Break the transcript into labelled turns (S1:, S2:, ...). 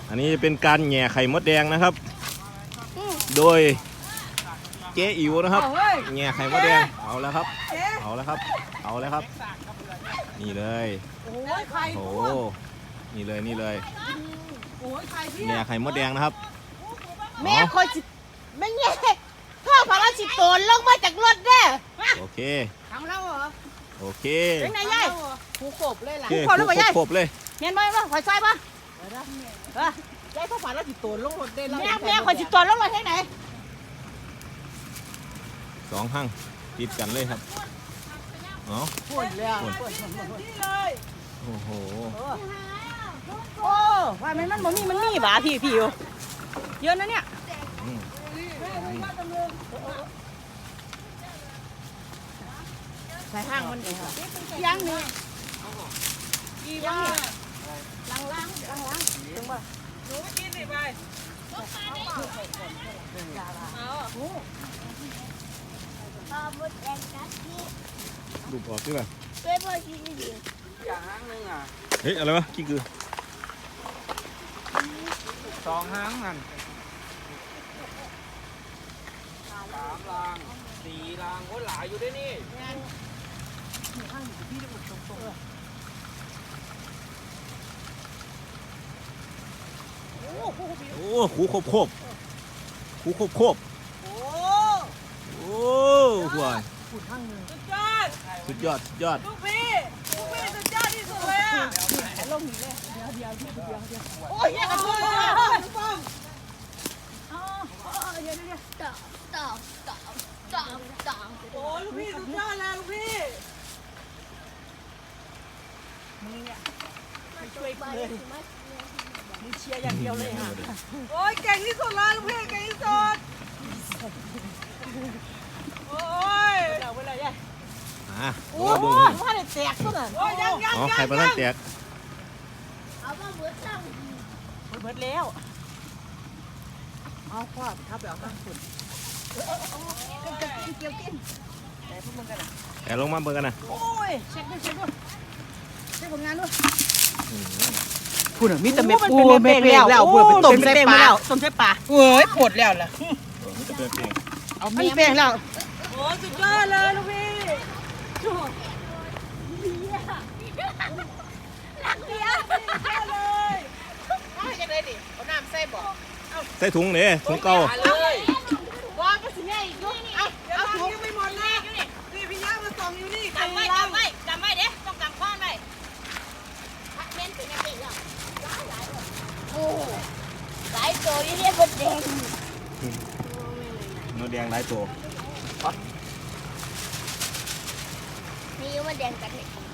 S1: อันนี้เป็นการแหย่ไข่มดแดงนะครับโดยเจ๊อิ๋วนะครับแหย่ไข่มดแดงเอาแล้วครับเอาแล้วครับเอาแล้วครับนี่เลยโอ้โหนี่เลยนี่เลยแหย่ไข่มดแดงนะครับ
S2: แม่คอยจิไม่แย่พ่อพาราสิโตนลงมาจากรถเด้อ
S1: โอเค
S2: ทำแล้วเหรอ
S1: โอเค
S2: เป็นไงยายผูกบเลยล่ะ
S1: ผูกบเลยผูกบเลย
S2: เงี้ยบ่คอยซอยป่ะยายพ่อพาราสิโตนลงรถได้แล้วแม่คอยสิโตนลงรถที่ไหน
S1: 2 หั่งติดกันเลยครับเนาะ
S2: พุ่นเลยนี่เลย
S1: โอ้โห
S2: โอ้ว่ามันมีบ่าพี่อยู่เยอะนะเนี่ยใส่ห้างมันยังนี่ยังล้างถึงป่ะหนูไม่กินสิไป
S1: ดูออกใช่ป่ะ
S3: เฮ้ยพ่อกินดิ
S4: อย่างห้างนึงอ่ะ
S1: เฮ้ยอะไรวะกิ้งกือ
S4: 2 ห้างนั่น3 ราง 4 รางโอ้หลายอยู่ด้วยนี่
S1: โอ้หูโคบหูโคบโอ้หัวสุดยอด
S2: ลูกพี่สุดยอดที่สุดเลยอ่ะลงหนีเลยเดี๋ยวโอ้ยกระตุ้นต่อโอ้ลูกพี่สุดยอดแล้วลูกพี่มึงเนี่ยช่วยเลยมึงเชียร์อย่างเดียวเลยค่ะโอ้ยเก่งที่สุดเลยลูกพี่เก่งที่สุดโอ้ยเอาไปเลยยัยโอ้โหว่าได้แตกซะน่ะโอ้ยยัง
S1: ไข่ปลาแตก
S3: เอามาเบิดตั้ง
S2: เบิดแล้วเอาพ่อทับไปเอาตั้งฝุ่นเกี่ยวกินแต่พวกมึงกันนะ
S1: แต่ลงมาเบิ่งกันนะ
S2: โอ้ยเช็คด้วยเช็คผลงานด้วยพูดมีแต่เม็ดปูเม็ดแล้วพูดเป็นต้มใส่ปลาเฮ้ยปวดแล้วล่ะเอามันแป้งแล้วโอ้สุดยอดเลยลูกพี่
S3: รักเดียว
S2: เลยยังไงดิเอาน้ำใส่บ่
S1: ใส่ถุงเนี่ยถุงเก่า
S2: ว่าก็สิแม่อีกลูกเอาถุงยังไม่หมดเลยนี่พี่ย่ามาส่องอยู่นี่
S3: กำไว้เด้ต้องกำข้อนไว้เม้นถึงจะติดหรอโอ้หลายตัวนี่เรียกมดแดง
S1: มดแดงหลายตัว
S3: นี่มดแดงกันเนี่ย